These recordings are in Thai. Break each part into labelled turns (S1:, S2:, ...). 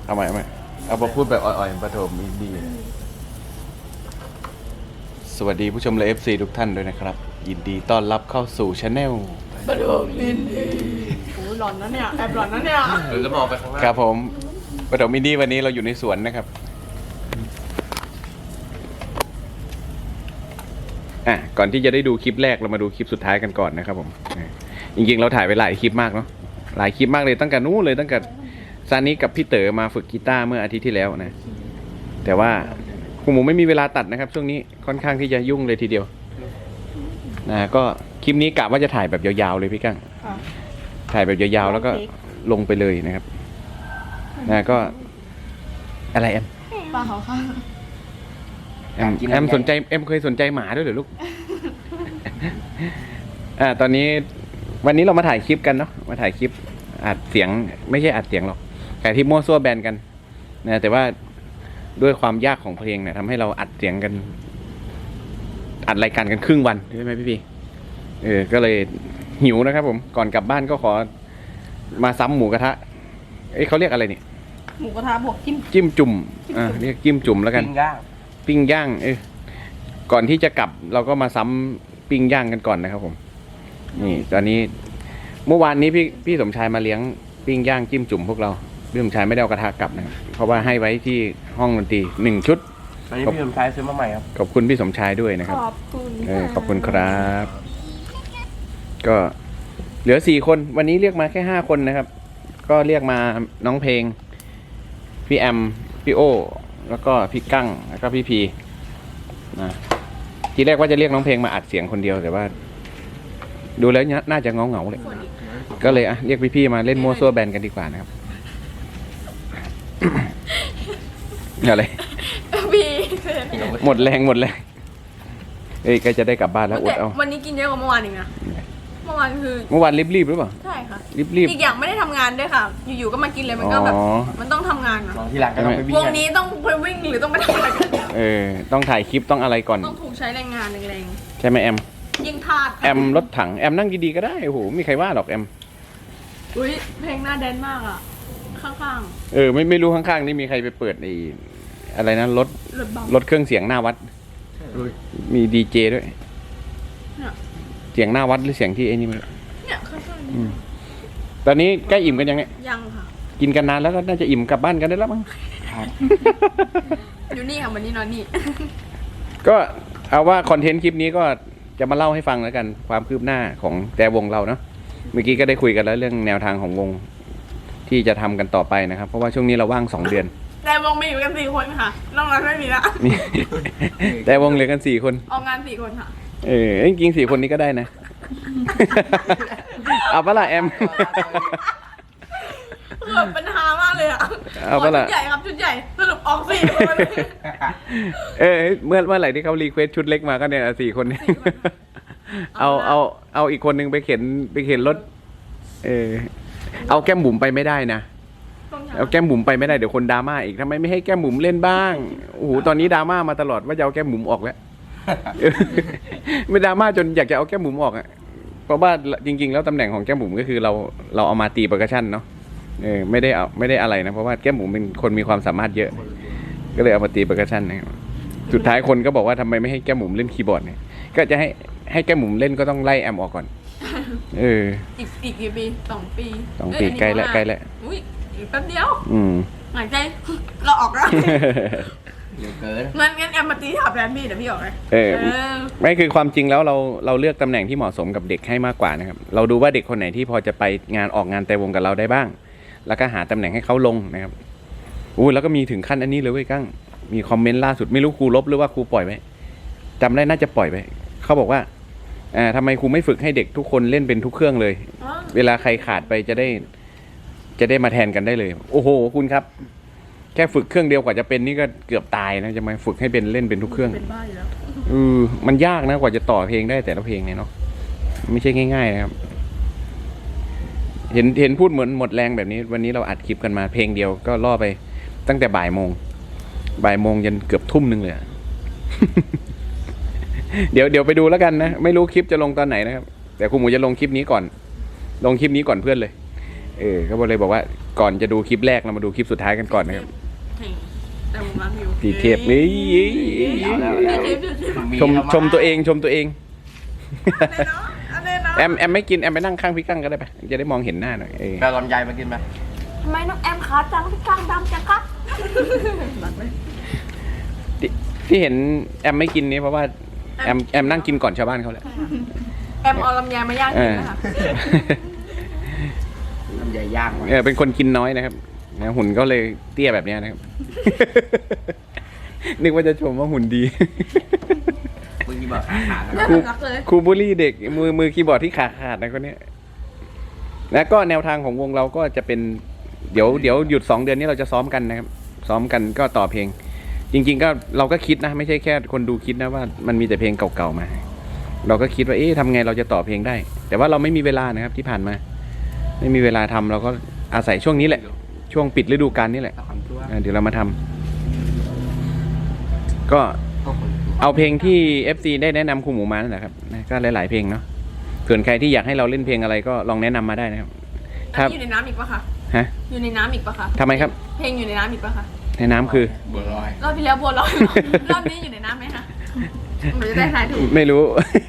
S1: เอาใหม่เอาพูดแบบอ่อยๆประโถมอินดี้สวัสดีผู้ชมและ FC ทุกท่านด้วยนะครับยินดีต้อนรับเข้าสู่ช anel
S2: ประโถมอินดี้โอ้หลอนนะเนี่ยแอบหลอนนะเนี่ย
S3: หรือจะมองไปข้างล่าง
S1: ครับผมประโถมอินดี้วันนี้เราอยู่ในสวนนะครับก่อนที่จะได้ดูคลิปแรกเรามาดูคลิปสุดท้ายกันก่อนนะครับผมจริงๆเราถ่ายไปหลายคลิปมากเนาะหลายคลิปมากเลยตั้งแต่นู้นเลยตั้งแต่ซานิกับพี่เต๋อมาฝึกกีตาร์เมื่ออาทิตย์ที่แล้วนะแต่ว่าคุณหมูไม่มีเวลาตัดนะครับช่วงนี้ค่อนข้างที่จะยุ่งเลยทีเดียวก็คลิปนี้กะว่าจะถ่ายแบบยาวๆเลยพี่กั้งถ่ายแบบยาวๆแล้วก็ลงไปเลยนะครับก็อะไรแอม
S2: ปลาเขาค่ะ
S1: แอมสนใจแอมเคยสนใจหมาด้วยเหรอลูก ตอนนี้วันนี้เรามาถ่ายคลิปกันเนาะมาถ่ายคลิปอัดเสียงไม่ใช่อัดเสียงหรอกแต่ที่มั่วซั่วแบนกันนะแต่ว่าด้วยความยากของเพลงเนี่ยทำให้เราอัดเสียงกันอัดรายการกันครึ่งวันใช่ไหมพี่ก็เลยหิวนะครับผมก่อนกลับบ้านก็ขอมาซ้ำหมูกระทะเขาเรียกอะไรเนี่ย
S2: หมูกระทะบวกจิ้ม
S1: จิ้มจุ่มเรียกจิ้มจุ่มแล้วกัน
S3: ปิ้งย่าง
S1: ก่อนที่จะกลับเราก็มาซ้ำปิ้งย่างกันก่อนนะครับผมนี่ตอนนี้เมื่อวานนี้พี่สมชายมาเลี้ยงปิ้งย่างจิ้มจุ่มพวกเราพี่สมชายไม่ได้เอากระทะกลับนะครับเพราะว่าให้ไว้ที่ห้องดนตรี1 ชุด
S3: อันนี้พี่สมชายซื้อมาใหม่ครับ
S1: ขอบคุณพี่สมชายด้วยนะครับ
S2: ขอบคุณ
S1: ขอบคุณครับ ก็เหลือ4 คนวันนี้เรียกมาแค่5 คนนะครับก็เรียกมาน้องเพลงพี่แอมพี่โอแล้วก็พี่กั้งแล้วก็พี่พีนะทีแรกว่าจะเรียกน้องเพลงมาอัดเสียงคนเดียวแต่ว่าดูแล้วน่าจะเงาเลยก็เลยเรียกพี่ๆมาเล่นมั่วซั่วแบนกันดีกว่านะครับ อะไร
S2: พี่
S1: หมดแรงก็จะได้กลับบ้านแล้วอดเอา
S2: วันนี้กินเยอะกว่าเมื่อวานอีกนะเมื่อวานคือ
S1: เมื่อวานรีบหรือเปล่า
S2: ใช่ค่ะ
S1: รีบ
S2: อีกอย่างไม่ได้ทำงานด้วยค่ะ อยู่ๆก็มากินเลยมันก็แบบ
S1: อ๋อ
S2: มันต้องทำงานอะ
S3: ลองที่หลังก็ต้องไปวิ่ง
S2: วงนี้ต้องไปวิ่งหรือต้องไปทำอะไรกัน
S1: ต้องถ่ายคลิปต้องอะไรก่อน
S2: ต้องถูกใช้แรงงานแรง
S1: ใช่ไหมแอม
S2: ๆยิ่งทาส
S1: แอมรถถังแอมนั่งดีๆก็ได้โอ้โหไม่มีใครว่าหรอกแอม
S2: อุ้ยเพลงหน้าแดนมากอ่ะข้าง
S1: ไม่รู้ข้างๆนี่มีใครไปเปิดอะไรนะรถ
S2: ๆรถเบาร
S1: ถเครื่องเสียงหน้าวัดมีดีเจด้วย
S2: เนี่ย
S1: เสียงหน้าวัดหรือเสียงที่ไอ้นี่มัน
S2: เนี่ยข้างๆ
S1: อื
S2: นี่
S1: มตอนนี้ใกล้อิ่มกันยังเนี่ย
S2: ยังค่ะ
S1: กินกันนานแล้วก็น่าจะอิ่มกลับบ้านกันได้แล้วมั้ง
S2: อยู่นี่ค่ะวันนี้นอนนี่
S1: ก็เอาว่าคอนเทนต์คลิปนี้ก็จะมาเล่าให้ฟังแล้วกันความคืบหน้าของแต่วงเราเนาะเมื่อกี้ก็ได้คุยกันแล้วเรื่องแนวทางของวงที่จะทำกันต่อไปนะครับเพราะว่าช่วงนี้เราว่าง2 เดือน
S2: แต่วงมีอยู่กัน4 คนค่ะนอกนั้นไม่มีละ
S1: นี่ แต่วงเหลือกัน4 คน
S2: ออกงาน4 คนค่ะ
S1: จริงๆ4 คนนี้ก็ได้นะ เอาปะล่ะแอม
S2: คือแบบปัญหามากเลยอ่ะ
S1: เอาปะล่ะ
S2: ชุดใหญ่ครับชุดใหญ่สรุปออก4 คน
S1: เมื่อไหร่ที่เขารีเควสชุดเล็กมาก็เนี่ย4 คนนี้ เอาอีกคนนึงไปเข็นรถเอาแก้มบุ๋มไปไม่ได้นะเอาแก้มบุ๋มไปไม่ได้เดี๋ยวคนดราม่าอีกทำไมไม่ให้แก้มบุ๋มเล่นบ้างโอ้โหตอนนี้ดราม่ามาตลอดว่าจะเอาแก้มบุ๋มออกแล้ว ไม่ดราม่าจนอยากจะเอาแก้มบุ๋มออกเพราะว่าจริงๆแล้วตำแหน่งของแก้มบุ๋มก็คือเราเอามาตีเปอร์คัชชั่นเนาะไม่ได้อะไรนะเพราะว่าแก้มบุ๋มเป็นคนมีความสามารถเยอะก็เลยเอามาตีเปอร์คัชชั่นนะครับสุดท้ายคนก็บอกว่าทำไมไม่ให้แก้มบุ๋มเล่นคีย์บอร์ดเนี่ยก็จะให้แก้มบุ๋มเล่นก็ต้องไล่แอมออกก่อน
S2: อีกกี่ปี2 ปี
S1: 2 ปีใกล้แล้ว
S2: อุ้ยอีกแป๊บเดียว หายใจเราออกแล้ว
S3: เดี๋ยวเกิน
S2: งั้นแอมมาตีถับแทนพี่เดี๋ยวพี่ออกเลย
S1: ไม่คือความจริงแล้วเราเลือกตำแหน่งที่เหมาะสมกับเด็กให้มากกว่านะครับเราดูว่าเด็กคนไหนที่พอจะไปออกงานแต่วงกับเราได้บ้าง แล้วก็หาตำแหน่งให้เขาลงนะครับแล้วก็มีถึงขั้นอันนี้เลยเว้ยกั้งมีคอมเมนต์ล่าสุดไม่รู้ครูลบหรือว่าครูปล่อยไว้จำได้น่าจะปล่อยไว้เขาบอกว่าทำไมครูไม่ฝึกให้เด็กทุกคนเล่นเป็นทุกเครื่องเลยเวลาใครขาดไปจะได้มาแทนกันได้เลยโอ้โหคุณครับแค่ฝึกเครื่องเดียวกว่าจะเป็นนี่ก็เกือบตายนะจะมาฝึกให้เป็นเล่นเป็นทุกเครื่อง
S2: เป็นบ้าอยู่แล้ว
S1: มันยากนะกว่าจะต่อเพลงได้แต่ละเพลงเนี่ยเนาะไม่ใช่ง่ายๆนะครับเห็นพูดเหมือนหมดแรงแบบนี้วันนี้เราอัดคลิปกันมาเพลงเดียวก็ล่อไปตั้งแต่บ่ายโมงยันเกือบทุ่มนึงเลย เดี๋ยวไปดูแล้วกันนะไม่รู้คลิปจะลงตอนไหนนะครับแต่ครูหมูจะลงคลิปนี้ก่อนเพื่อนเลยก็เลยบอกว่าก่อนจะดูคลิปแรกเรามาดูคลิปสุดท้ายกันก่อนนะครับ
S2: แต่ผมรักวิว
S1: สีเทพนี่
S3: เอาแล้ว
S1: ชมตัวเองชมตัวเอง
S2: อะไรเนาะ
S1: แอมไม่กินแอมไปนั่งข้างพี่กั้งก็ได้ปะจะได้มองเห็นหน้าหน่อย
S3: แปลลำไยมากินไหม
S2: ทำไมน้องแอมขาจังพี่กลางดำจังครับรักไหม
S1: ที่เห็นแอมไม่กินนี่เพราะว่าแอมนั่งกินก่อนชาวบ้านเขาแหละ
S2: แอมเอาลำไยมาย่างกินนะคะ
S3: ลำไยย่างไว้
S1: เป็นคนกินน้อยนะครับนะหุ่นก็เลยเตี้ยแบบเนี้ยนะครับ นึกว่าจะชมว่าหุ่นดี
S3: มึงกี่บอกขาขาด
S2: น่า
S3: นะ
S2: รักเลย
S1: ครูบุลี่เด็กมือคีย์บอร์ดที่ขาดนะคนเนี้ยแล้วก็แนวทางของวงเราก็จะเป็นเดี๋ยวหยุด2 เดือนนี้เราจะซ้อมกันนะครับ ซ้อมกันก็ต่อเพลง จริง ๆ ก็เราก็คิดนะ ไม่ใช่แค่คนดูคิดนะว่ามันมีแต่เพลงเก่าๆมา เราก็คิดว่าทำไงเราจะต่อเพลงได้ แต่ว่าเราไม่มีเวลานะครับที่ผ่านมา ไม่มีเวลาทำเราก็อาศัยช่วงนี้แหละ ช่วงปิดฤดูกาลนี่แหละ
S3: ตามตัว
S1: เดี๋ยวเรามาทำก็
S3: ก็คน
S1: เอาเพลงที่ FC ได้แนะนำครูหมูมานั่นแหละครับนะก็หลายๆเพลงเนาะส่วนใครที่อยากให้เราเล่นเพลงอะไรก็ลองแนะนำมาได้นะครับ
S2: อันนี้อยู่ในน้ำอีกปะคะ
S1: ฮะ
S2: อยู่ในน้ำอีกปะคะ
S1: ทำไมครับ
S2: เพลงอยู่ในน้ำอีกปะคะ
S1: ในน้ำคือ
S3: บัวลอย
S2: รอบที่แล้วบัวลอยรอบนี้อยู่ในน้ำไหมคะหนูจะได้ทายถูก
S1: ไม่รู้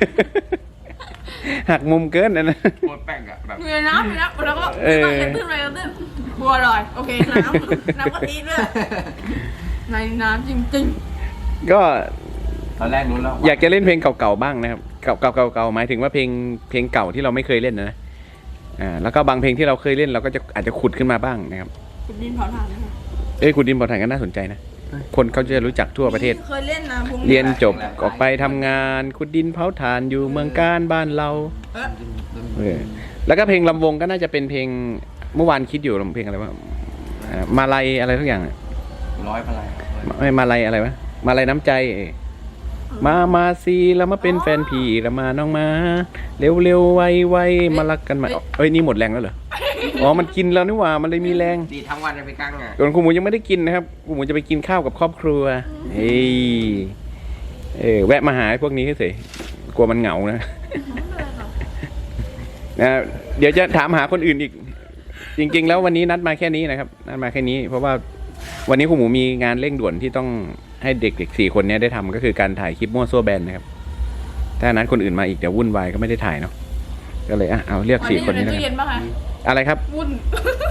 S1: หักมุมเกินนะ
S3: โคตรแป้งอะแบบ
S2: อยู่ในน้ำอยู่แล้วแล้วก็ตื้นไปตื้นบัวลอยโอเคน้ำกะทิด้วยในน้ำจริง
S1: ก็
S3: ตอนแรกนู้นแล้ว
S1: อยากจะเล่นเพลงเก่าๆบ้างนะครับเก่าๆหมายถึงว่าเพลงเก่าที่เราไม่เคยเล่นนะแล้วก็บางเพลงที่เราเคยเล่นเราก็จะอาจจะขุดขึ้นมาบ้างนะครับ
S2: ๆคุณดินเผาถ่านนะคะ
S1: ขุดดินเผาถ่านก็น่าสนใจนะคนเขาจะรู้จักทั่วประเทศ
S2: เคยเล่นนะพวก
S1: เรียนจบออกไปทำงานขุดดินเผาถ่านอยู่เมืองการบ้านเราแล้วก็เพลงลำวงก็น่าจะเป็นเพลงเมื่อวานคิดอยู่เพลงอะไรวะมาลัยอะไรทุกอย่าง
S3: ร้อยพลาย
S1: ไม่มาลัยอะไรวะมาลัยน้ำใจมาซีแล้วมาเป็นแฟนพี่แล้วมาน้องมาเร็วไวมารักกันมานี่หมดแรงแล้วเหรออ๋อมันกินแล้วนี่หว่ามันเลยมีแรง
S3: ดีทั้งวันเลยไปกั้งอ่ะ
S1: ส่วนครูหมูยังไม่ได้กินนะครับครูหมูจะไปกินข้าวกับครอบครัวแวะมาหาพวกนี้เฉยกลัวมันเหงานะ เดี๋ยวจะถามหาคนอื่นอีก จริง ๆ แล้ววันนี้นัดมาแค่นี้นะครับนัดมาแค่นี้ เพราะว่าวันนี้ครูหมูมีงานเร่งด่วนที่ต้องให้เด็กๆ4 คนนี้ได้ทำก็คือการถ่ายคลิปมั่วซั่วแบนนะครับถ้านัดคนอื่นมาอีกเดี๋ยววุ่นวายก็ไม่ได้ถ่ายเนาะก็เลยเอาเรียก4 คนนี้
S2: ใน
S1: นะ
S2: ตู้เย็นปะคะ
S1: อะไรครับ
S2: วุ่น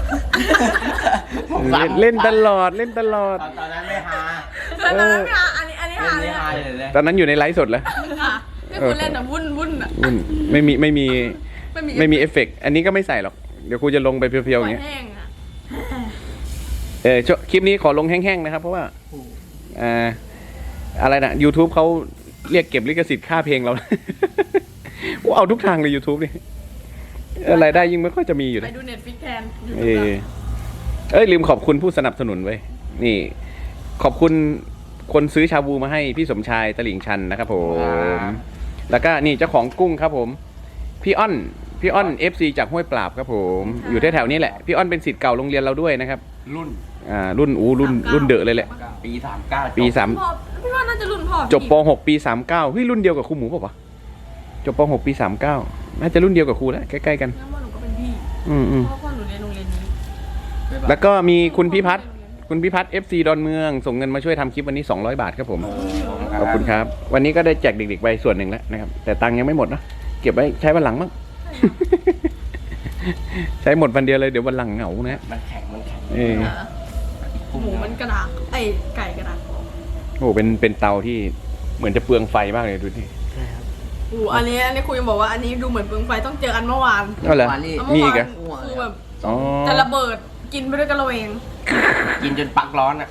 S1: เล่นตลอด
S3: ตอนนั้นไม่ฮา
S2: แล้วตอนนั้นค่ะอันนี้หาเลย
S3: ไม่ฮา
S2: ค่ะ
S3: เลย
S1: ตอนนั้นอยู่ในไลฟ์สดแล้ว
S2: ค่ะที่คุณเล่นอะวุ่นอะ
S1: ไม่มีเอฟเฟกต์อันนี้ก็ไม่ใส่หรอกเดี๋ยวครูจะลงไปเพียวๆอย่างเงี้ย
S2: แห้งอะ
S1: คลิปนี้ขอลงแห้งๆนะครับเพราะว่าอะไรนะ YouTube เขาเรียกเก็บลิขสิทธิ์ค่าเพลงเรา ว่าเอาทุกทางเลย YouTube นี่รายได้ยิ่งไม่ค่อยจะมีอยู่
S2: ไป
S1: นะ
S2: ดูเน็ตฟิกแทน
S1: ลืมขอบคุณผู้สนับสนุนไว้ยนี่ ขอบคุณคนซื้อชาบูมาให้พี่สมชายตลิ่งชันนะครับผมแล้วก็นี่เจ้าของกุ้งครับผมพี่อ้อน FC จากห้วยปราบครับผมอยู่แถวๆนี้แหละพี่อ้อนเป็นศิษย์เก่าโรงเรียนเราด้วยนะครับ
S3: รุ่น
S1: รุ่นเดอะเลยแหละ
S3: ปี39
S1: ปี
S2: พ่อพี่ว่าน่าจะรุ่นพ่อ
S1: จบป .6 ปี39เฮ้ยรุ่นเดียวกับครูหมูป่ะวะจบป .6 ปี39น่าจะรุ่นเดียวกับครูแล้วใกล้ๆกัน
S2: งั้นว่าหนูก็เป็นพี่
S1: อืม
S2: เพราะว่าพ่อหนูเรียนโรงเรียนนี้
S1: แล้วก็มีคุณพิพัฒน์ FC ดอนเมืองส่งเงินมาช่วยทำคลิปวันนี้200 บาทครับผมขอบคุณครับวันนี้ก็ได้แจกเด็กๆไปส่วนหนึ่งแล้วนะครับแต่ตังค์ยังไม่หมดนะเก็บไว้ใช้วันหลังมั้ง ใช้หมดวันเดียวเลยเดี๋ยววันหลังเหงานะ
S3: มันแข็ง
S2: หมูมันกระดาษไก่กระดาษ
S1: โอ้เป็นเตาที่เหมือนจะเปลืองไฟมากเลยดูดิ
S2: อันนี้คุยบอกว่าอันนี้ดูเหมือนเปลืองไฟต้องเจอกันเมื่อวาน
S1: ก็เหรอ
S2: แล้ว
S1: มี
S2: เมื่อ
S1: อีก
S2: วา
S1: อะ
S2: นคือแบบ
S1: อ๋อ
S2: จะระเบิดกินไปด้วยกันระเวง
S3: กินจนปักร้อนอ่ะ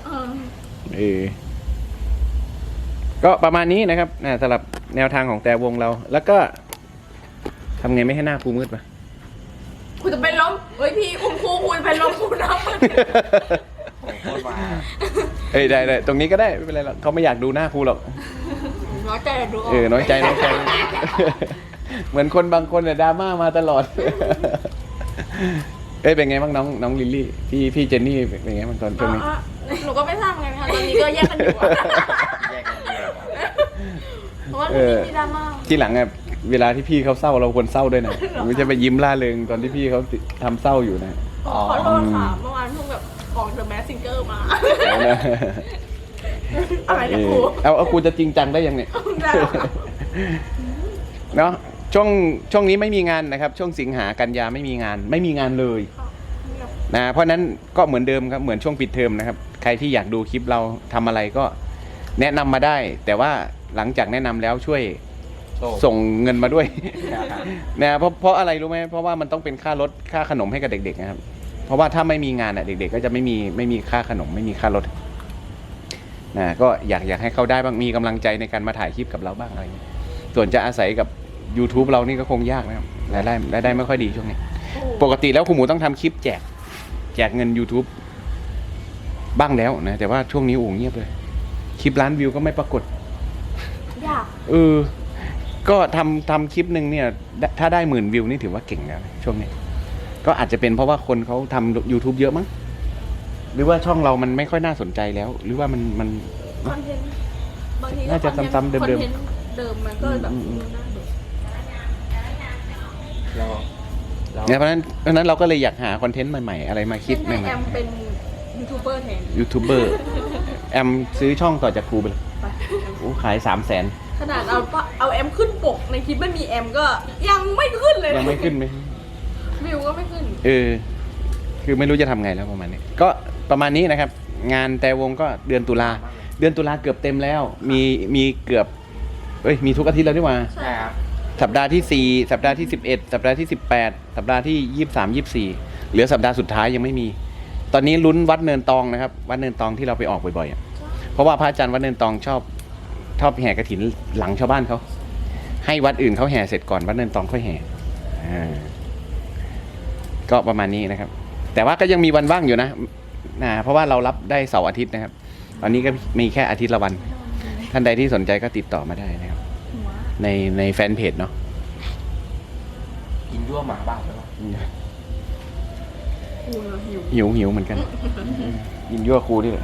S1: ก็ประมาณนี้นะครับสำหรับแนวทางของแต่วงเรา แล้วก็ทำไงไม่ให้หน้าครูมืดปะ
S2: คุณจะเป็นลมเฮ้ยพี่คุณครูคุณเป็นลมคุณน้ำมัน
S3: โคตรมา
S1: ได้ตรงนี้ก็ได้ไม่เป็นไรหรอกเขาไม่อยากดูหน้าครูหรอก
S2: น้อยใจดูออก
S1: น้อยใจ เหมือนคนบางคนเนี่ยดราม่ามาตลอด เป็นไงบ้างน้องลิลลี่พี่เจนนี่เป็นไงบ้างตอนช่วงนี้
S2: หนูก็ไม่ทราบไงคะตอนนี้ก็แยกกันอยู่อะ
S3: แยกกันเดียว
S2: เพราะว่ามีดราม่า
S1: ที่หลังอะเวลาที่พี่เขาเศร้าเราควรเศร้าด้วยนะไม่ใช่ไปยิ้มล่าเริงตอนที่พี่เขาทำเศร้าอยู่นะ
S2: โขอโทษค่ะเมื่อวานเพิ่งแบบออก The Mask Singer มา อะไรนะครู
S1: เอาครูจะจริงจังได้ยังเนี่ย
S2: ได้แล้วค่ะ
S1: เนาะช่วงนี้ไม่มีงานนะครับ ช่วงสิงหากันยาไม่มีงานเลยนะเพราะนั้นก็เหมือนเดิมครับเหมือนช่วงปิดเทอมนะครับใครที่อยากดูคลิปเราทำอะไรก็แนะนำมาได้ แต่ว่าหลังจากแนะนำแล้วช่วยส่งเงินมาด้วย นะเพราะอะไรรู้ไหมเพราะว่ามันต้องเป็นค่ารถค่าขนมให้กับเด็กๆนะครับเพราะว่าถ้าไม่มีงานอ่ะเด็กๆก็จะไม่มีค่าขนมไม่มีค่ารถนะก็อยากให้เขาได้บ้างมีกำลังใจในการมาถ่ายคลิปกับเราบ้างอะไรอย่างเงี้ยส่วนจะอาศัยกับ YouTube เรานี่ก็คงยากนะครับรายได้ไม่ค่อยดีช่วงนี้ ปกติแล้วคุณหมูต้องทำคลิปแจกเงิน YouTube บ้างแล้วนะแต่ว่าช่วงนี้โอ้เงียบเลยคลิปล้านวิวก็ไม่ปรากฏ
S2: ยาก
S1: ก็ทำคลิปหนึ่งเนี่ยถ้าได้10,000 วิวนี่ถือว่าเก่งแล้วช่วงนี้ก็อาจจะเป็นเพราะว่าคนเขาทำ YouTube เยอะมั้งหรือว่าช่องเรามันไม่ค่อยน่าสนใจแล้ว หรือว่ามัน
S2: คอนเทนต์บางที
S1: น่าจะซ้ำๆเดิมๆ
S2: คอนเทนต์เดิมมันก็แบบดูน่าเบื่อ
S1: เนี่ยเพราะฉะนั้นเราก็เลยอยากหาคอนเทนต์ใหม่ๆอะไรมาคิดให
S2: ให้
S1: ม่
S2: แอมเป็นยูทูบเบอร์แทน
S1: ๆยูทูบเบอร์แอมซื้อช่องต่อจากครูไปเลย
S2: ไป
S1: โอ้ขาย 300,000
S2: ขนาดเอาแอมขึ้นปกในคลิปไม่มีแอมก็ยังไม่ขึ้นเลย
S1: ยังไม่ขึ้นไหม
S2: วิวก็ไม่ขึ้น
S1: คือไม่รู้จะทำไงแล้วประมาณนี้ก็ประมาณนี้นะครับ งานแต่วงก็เดือนตุลาเกือบเต็มแล้วมีเกือบมีทุกอาทิตย์แล้วนี่หว่า
S2: ใช่ครับ
S1: สัปดาห์ที่ 4 สัปดาห์ที่ 11 สัปดาห์ที่ 18 สัปดาห์ที่ 23 24เหลือสัปดาห์สุดท้ายยังไม่มี ตอนนี้ลุ้นวัดเนินตองนะครับวัดเนินตองที่เราไปออกบ่อยๆอะเพราะว่าพระอาจารย์วัดเนินตองชอบแห่กฐินหลังชาวบ้านเขาให้วัดอื่นเขาแห่เสร็จก่อนวัดเนินตองค่อยแห่ก็ประมาณนี้นะครับ แต่ว่าก็ยังมีวันว่างอยู่นะเพราะว่าเรารับได้เสาร์อาทิตย์นะครับ ตอนนี้ก็มีแค่อาทิตย์ละวัน ท่านใดที่สนใจก็ติดต่อมาได้นะครับ ในแฟนเพจเนาะ
S3: กินยั่วหมาบ้าใช่ไหม
S2: กูเหรอหิว
S1: หิวเหมือนกันยินยั่วครูดิเลย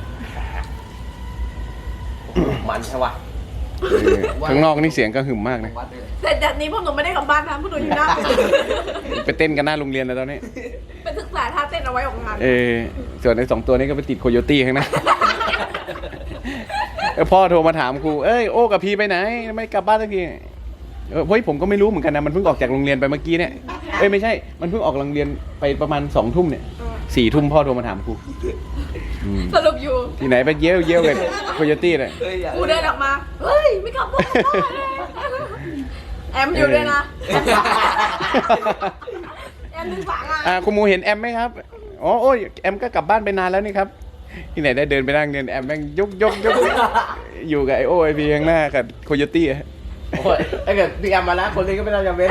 S3: มันใช่ปะ
S1: ข้างนอกนี่เสียงก็หึมมากนะ
S3: วัดเลย
S2: แต่จากนี้พวกหนูไม่ได้กลับบ้านนะพวกหนูอยู่หน้า
S1: ไปเต้นกันหน้าโรงเรียนแล้วตอนนี้
S2: ไปศึกษาท่าเต้นเอาไว้ของงาน
S1: ส่วนไอ้2 ตัวนี้ก็ไปติดโคโยตี้ข้างหน้า พ่อโทรมาถามครูโอ้กับพีไปไหนไม่กลับบ้านสักทีเฮ้ยผมก็ไม่รู้เหมือนกันนะมันเพิ่งออกจากโรงเรียนไปเมื่อกี้เนี่ยไม่ใช่มันเพิ่งออกโรงเรียนไปประมาณ2 ทุ่มเนี่ย4 ทุ่มพ่อโทรมาถามครู
S2: สรุปอยู่
S1: ที่ไหนไปเยี่ยวกับโคโยตี้เลย
S2: กูเดินออกมา เฮ้ย ไม่กลับบ้านเลยแอมอยู่ด้วยนะ แอมดึงฝางอ่ะ
S1: คุณหมูเห็นแอมไหมครับโอ้ยแอมก็กลับบ้านไปนานแล้วนี่ครับที่ไหนได้เดินไปนั่งเดินแอมแม่งยกอยู่กับไอโอไอพีข้างหน้ากับโคโยตี้
S3: โอ้ยถ้าเกิดพี่แอมมาแล้วคนนี้ก็ไม่ต้องจำเป็น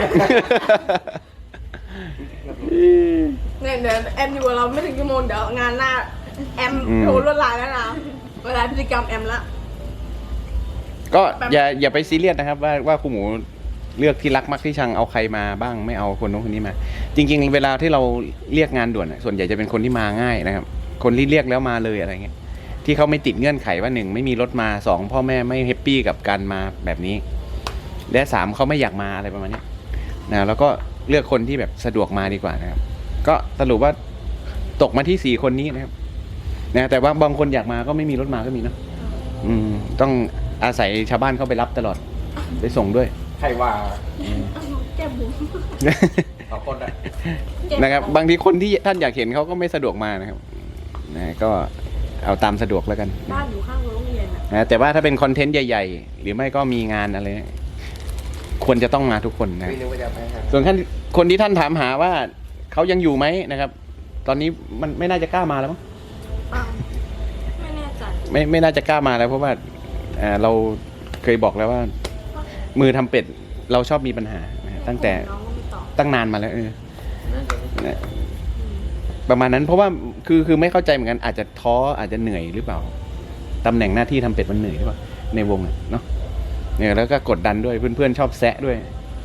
S2: เนี่ยเดี๋ยวแอมอยู่กับเราไม่ถึงชั่วโมงเดี๋ยวงานหน้า แอมโทรลวดลายแล้วนะ เวลาพฤติกรรมแอมละ
S1: ก็อย่าไปซีเรียสนะครับว่าคุณหมูเลือกที่รักมักที่ชังเอาใครมาบ้างไม่เอาคนนู้นคนนี้มา จริงๆเวลาที่เราเรียกงานด่วนส่วนใหญ่จะเป็นคนที่มาง่ายนะครับ คนที่เรียกแล้วมาเลยอะไรเงี้ยที่เขาไม่ติดเงื่อนไขว่า1ไม่มีรถมา2พ่อแม่ไม่แฮปปี้กับการมาแบบนี้และ3เขาไม่อยากมาอะไรประมาณนี้นะแล้วก็เลือกคนที่แบบสะดวกมาดีกว่านะครับก็สรุปว่าตกมาที่4 คนนี้นะครับนะแต่ว่าบางคนอยากมาก็ไม่มีรถมาก็มีเนาะต้องอาศัยชาวบ้านเข้าไปรับตลอดไปส่งด้วย
S3: ใครว่า
S2: แก้มบุ๋ม
S3: 2 คนอะ
S1: นะครับบางทีคนที่ท่านอยากเห็นเขาก็ไม่สะดวกมานะครับนะก็เอาตามสะดวกแล้วกัน
S2: บ้านอยู่ข้างโรงเรียนอ่ะ
S1: นะแต่ว่าถ้าเป็นคอนเทนต์ใหญ่ๆหรือไม่ก็มีงานอะไรควรจะต้องมาทุกคนนะ
S3: ไม่รู้ว่าจะไปทาง
S1: ส่วนคนที่ท่านถามหาว่าเขายังอยู่ไหมนะครับ ตอนนี้มันไม่น่าจะกล้ามาแล้วมั้ง
S2: อ้าวไม่แน่ใจ
S1: ไม่น่าจะกล้ามาแล้วเพราะว่าเราเคยบอกแล้วว่า มือทำเป็ดเราชอบมีปัญหานะตั้งแต่
S2: น้องก็ไม่ตอบ
S1: ตั้งนานมาแล้วนะประมาณนั้นเพราะว่าคือไม่เข้าใจเหมือนกันอาจจะท้ออาจจะเหนื่อยหรือเปล่าตำแหน่งหน้าที่ทำเป็ดมันเหนื่อยหรือเปล่าในวงเนาะเนี่ยแล้วก็กดดันด้วยเพื่อนๆชอบแซะด้วย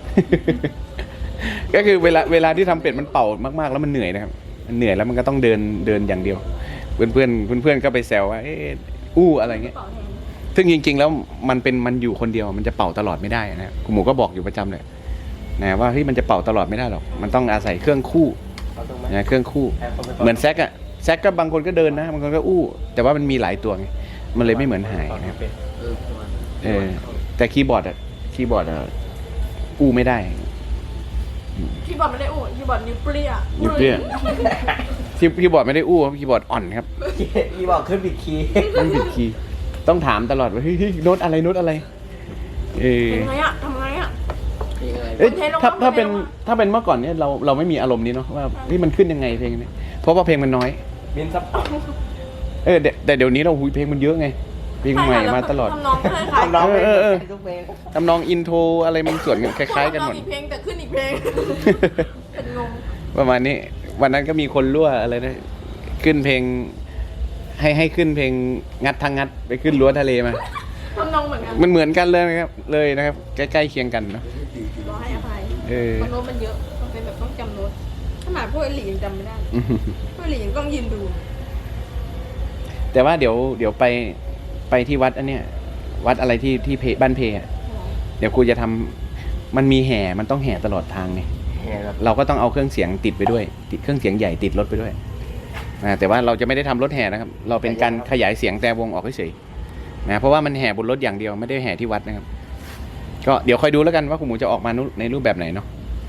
S1: ก็คือเวลาที่ทำเป็ดมันเป่ามากๆแล้วมันเหนื่อยนะครับมันเหนื่อยแล้วมันก็ต้องเดินอย่างเดียว เพื่อนก็ไปแซวว่าอู้อะไรเงี้ย
S2: เป่าแทน
S1: ซึ่งจริงๆแล้วมันอยู่คนเดียวมันจะเป่าตลอดไม่ได้นะคุณหมูก็บอกอยู่ประจำเลยนะว่ามันจะเป่าตลอดไม่ได้หรอกมันต้องอาศัยเครื่องคู่
S3: เอาตรงไหม
S1: นะเครื่องคู่ เหมือนแซกอะแซกก็บางคนก็เดินนะบางคนก็อู้ แต่ว่ามันมีหลายตัวไงมันเลยไม่เหมือนหายนะครับ แต่คีย์บอร์ดอะอู้ไม่ได้
S2: คีย์บอร์ดไม่ได้อู้คีย์บอร์ดนิ้วเปรี้ย
S1: นิ้วเปรี้ย คีย์บอร์ดไม่ได้อู้คีย์บอร์ดอ่อนครับ
S3: อีบอกขึ้นผิดคีย์
S1: ไม่ผิดคีย์ต้องถามตลอดว่าเฮ้ยโน้ตอะไรโน้ตอะไรเออ
S2: ทำไงอะทำไงอะ
S1: เอ้ย
S2: เทลง
S1: ถ้าเป็น
S2: ลงมา
S1: ถ้าเป็นเมื่อก่อนเนี่ยเราไม่มีอารมณ์นี้เนาะว่าเฮ้ยมันขึ้นยังไงเพลงนี้เพราะว่าเพลงมันน้อย
S3: บินซับ
S1: แต่เดี๋ยวนี้เราหุยเพลงมันเยอะไงเพลงใหม่มาตลอด
S2: ทำนองก็คล้ายๆ
S3: ทำร้องเพลง
S1: เออ
S3: ทุกเพลง
S1: ทำนองอินโทรอะไรมันส่วนกันคล้ายๆกันหมด
S2: ทำองอีกเพลงแต่ขึ้นอีกเพลง เป็นงง
S1: ประมาณนี้วันนั้นก็มีคนรั่วอะไรนะขึ้นเพลง ให้ขึ้นเพลงงัดทางงัดไปขึ้นรั้วทะเลมา
S2: ทำนองเหมือนกัน
S1: มันเหมือนกันเลยนะครับใกล้ๆเคียงกันเนาะ
S2: รอให้อภัย
S1: เออ
S2: เพราะโน้ตมันเยอะมันเป็นแบบต้องจำโน้ตขนาดพวกไอหลียังจำไม่ได้เลยพวกไอหลียังต้องยืนดู
S1: แต่ว่าเดี๋ยวไปที่วัดอันเนี้ยวัดอะไรที่บ้านเพอะเดี๋ยวครูจะทำมันมีแห่มันต้องแห่ตลอดทางไง
S3: เนี่ยครับ
S1: เราก็ต้องเอาเครื่องเสียงติดไปด้วย ติดเครื่องเสียงใหญ่ติดรถไปด้วยแต่ว่าเราจะไม่ได้ทำรถแห่นะครับ เราเป็นการขยายเสียงแต่วงออกเฉยๆนะเพราะว่ามันแห่บนรถอย่างเดียวไม่ได้แห่ที่วัดนะครับ ก็เดี๋ยวคอยดูแล้วกันว่าคุณหมูจะออกมาในรูปแบบไหนเนาะ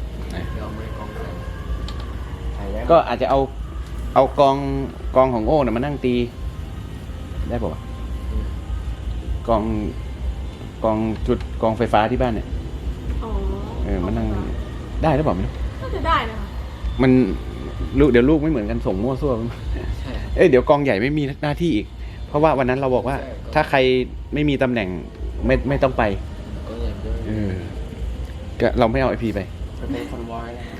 S3: ถ่ายได้
S1: ก็อาจจะเอากองของโอ้น่ะมานั่งตี ได้ป่าวะกองจุดกองไฟฟ้าที่บ้านเนี่ย
S2: อ๋อ
S1: มันนั่งได้หรือเปล่าไม่รู้
S2: น่าจะได้นะคะ
S1: มันเดี๋ยวลูกไม่เหมือนกันส่งมั่วซั่วเดี๋ยวกองใหญ่ไม่มีหน้าที่อีก เพราะว่าวันนั้นเราบอกว่า ถ้าใครไม่มีตำแหน่งไม่ต้องไปก็เราไม่เอาไอพีไป
S3: มันเป็นคอนวอยนะ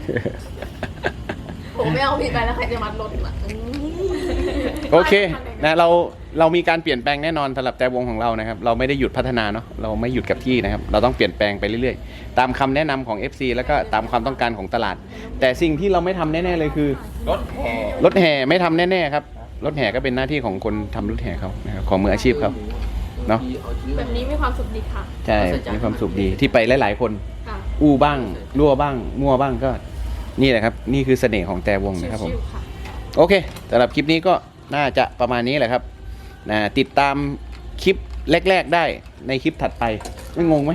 S2: ผมไม่เอาผิดไปแล้วใครจะมัดรถอ่ะ
S1: โอเคนะเรามีการเปลี่ยนแปลงแน่นอนสำหรับแต่วงของเรานะครับ เราไม่ได้หยุดพัฒนาเนาะเราไม่หยุดกับที่นะครับ เราต้องเปลี่ยนแปลงไปเรื่อยๆ ตามคำแนะนำของ FC แล้วก็ตามความต้องการของตลาด แต่สิ่งที่เราไม่ทำแน่ๆเลยคือ
S3: รถแห่
S1: รถแห่ไม่ทำแน่ๆครับรถแห่ก็เป็นหน้าที่ของคนทำรถแห่เขานะครับของมืออาชีพเขาเนาะ
S2: แบบนี้มีความสุขดีค่ะ
S1: ใช่มีความสุขดีที่ไปหลายๆคน
S2: ค่ะ
S1: อู้บ้างรั่วบ้างมั่วบ้างก็นี่แหละครับนี่คือเสน่ห์ของแต่วงนะครับผม
S2: ชิวๆค่ะ
S1: โอเคสำหรับคลิปนี้ก็น่าจะประมาณนี้แหละครับนะติดตามคลิปแรกๆได้ในคลิปถัดไปไม่งงไหม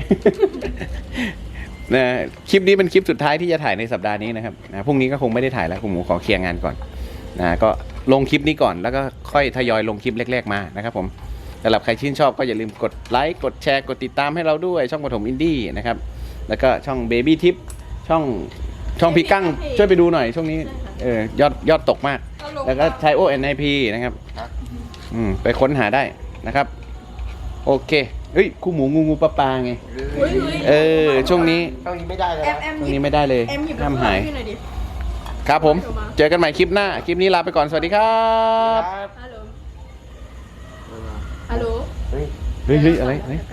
S1: นะคลิปนี้เป็นคลิปสุดท้ายที่จะถ่ายในสัปดาห์นี้นะครับนะพรุ่งนี้ก็คงไม่ได้ถ่ายแล้วคุณหมูขอเคลียร์งานก่อนนะก็ลงคลิปนี้ก่อนแล้วก็ค่อยทยอยลงคลิปแรกๆมานะครับผมสำหรับใครชื่นชอบก็อย่าลืมกดไลค์กดแชร์กดติดตามให้เราด้วยช่องปฐมอินดี้นะครับแล้วก็ช่อง Baby Tip ช่องพี่กั้งช่วยไปดูหน่อยช่วงนี้ยอดตกมาก แล้วก็ใช้ ONIP นะครับไปค้นหาได้นะครับ โอเคเฮ้ยคู่หมูงูปลาไง ช่วงนี้
S3: ต้องนี้ไม่ได้เลย
S2: แอม
S1: ช่วงนี้ไม่ได้เลย
S2: แอมหยิบ
S1: ห้ามหาย
S2: พี่หน่อยดิ
S1: ครับผม เจอกันใหม่คลิปหน้า คลิปนี้ลาไปก่อน สวัสดีครับ
S2: ฮัลโหลฮัลโหล
S3: เฮ้ย
S1: เฮ้ยอะไร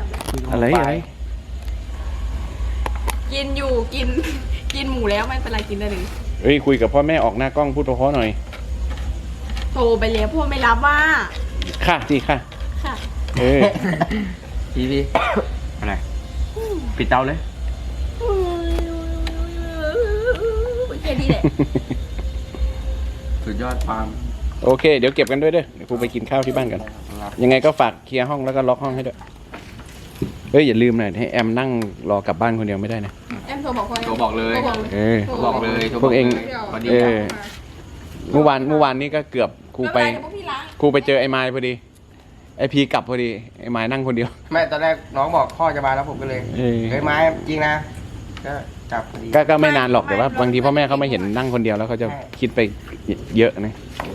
S2: กินอยู่กินหมูแล้วไม่เป็นไรกินได้เลย
S1: เฮ้ยคุยกับพ่อแม่ออกหน้ากล้องพูดเพราะๆหน่อย
S2: โทรไปแล้วพวกไม่รับว่า
S1: ค่ะสิค่ะ
S2: ค่ะ
S3: ทีวีอะไรปิดเตาเลย
S2: แค่นี้แหละ
S3: สุดยอดความ
S1: โอเค เดี๋ยวเก็บกันด้วยเด้อเดี๋ยวครูไปกินข้าวที่บ้านกัน ยังไงก็ฝากเคลียร์ห้องแล้วก็ล็อกห้องให้ด้วยเฮ้ยอย่าลืมนะให้แอมนั่งรอกลับบ้านคนเดียวไม่ได้นะ
S2: แอมโทรบอกพ่อ
S3: โทรบอกเลย
S2: โทรบอกเลย
S3: โทรบอกเลย
S1: พวกเอง
S3: วันนี้
S1: เมื่อวานนี้ก็เกือบครูไป
S2: ม่เป็นรเดี๋ยวพวกพี่ล้าง
S1: ครูไปเจอไอ้ไม้พอดีไอ้พีกลับพอดีไอ้ไม้นั่งคนเดียว
S3: แม่ตอนแรกน้องบอกพ่อจะมาแล้วผมก็เลย
S1: เออ
S3: เฮ้ยไม้จริงนะก็จับพอดี
S1: ก็ไม่นานหรอกแต่ว่าบางทีพ่อแม่เขาไม่เห็นนั่งคนเดียวแล้วเขาจะคิดไปเยอะนะ
S3: เออ